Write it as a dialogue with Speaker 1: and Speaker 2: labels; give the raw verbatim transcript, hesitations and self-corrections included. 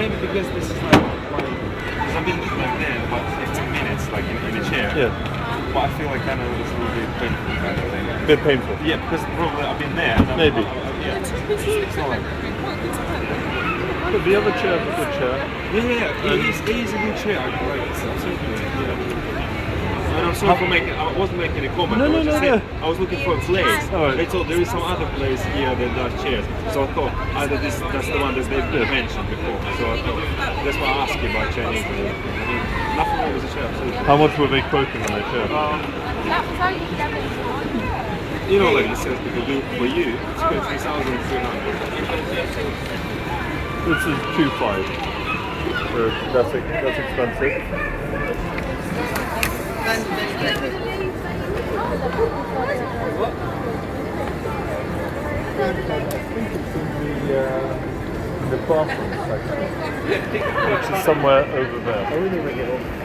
Speaker 1: maybe because this is like, like because I've been like there about fifteen minutes, like in, in a chair.
Speaker 2: Yeah.
Speaker 1: But I feel like kind of it's a little bit painful kind of thing.
Speaker 2: A bit painful.
Speaker 1: Yeah, because probably I've been there. And I'm-
Speaker 2: Maybe.
Speaker 1: I, I, yeah. It's not like.
Speaker 2: But the other chair is a good chair.
Speaker 1: Yeah, yeah, yeah. It is, it is a good chair. I like it. Absolutely. Yeah. And I'm sorry for making. I wasn't making a comment.
Speaker 2: No,
Speaker 1: I
Speaker 2: no,
Speaker 1: was just
Speaker 2: no,
Speaker 1: saying,
Speaker 2: no.
Speaker 1: I was looking for a place.
Speaker 2: All right.
Speaker 1: They told there is some other place here that does chairs. So I thought either this that's the one that they've
Speaker 2: Yeah.
Speaker 1: mentioned before. So I thought that's why I asked you about Chinese. I mean, nothing wrong with the chair. Absolutely.
Speaker 2: How much were they quoting on that chair?
Speaker 1: Um, you know, like the sales people do for you, it's three thousand three hundred.
Speaker 2: This is two five. So that's that's expensive. I think it's in the uh, in the bathroom section, which is somewhere over there.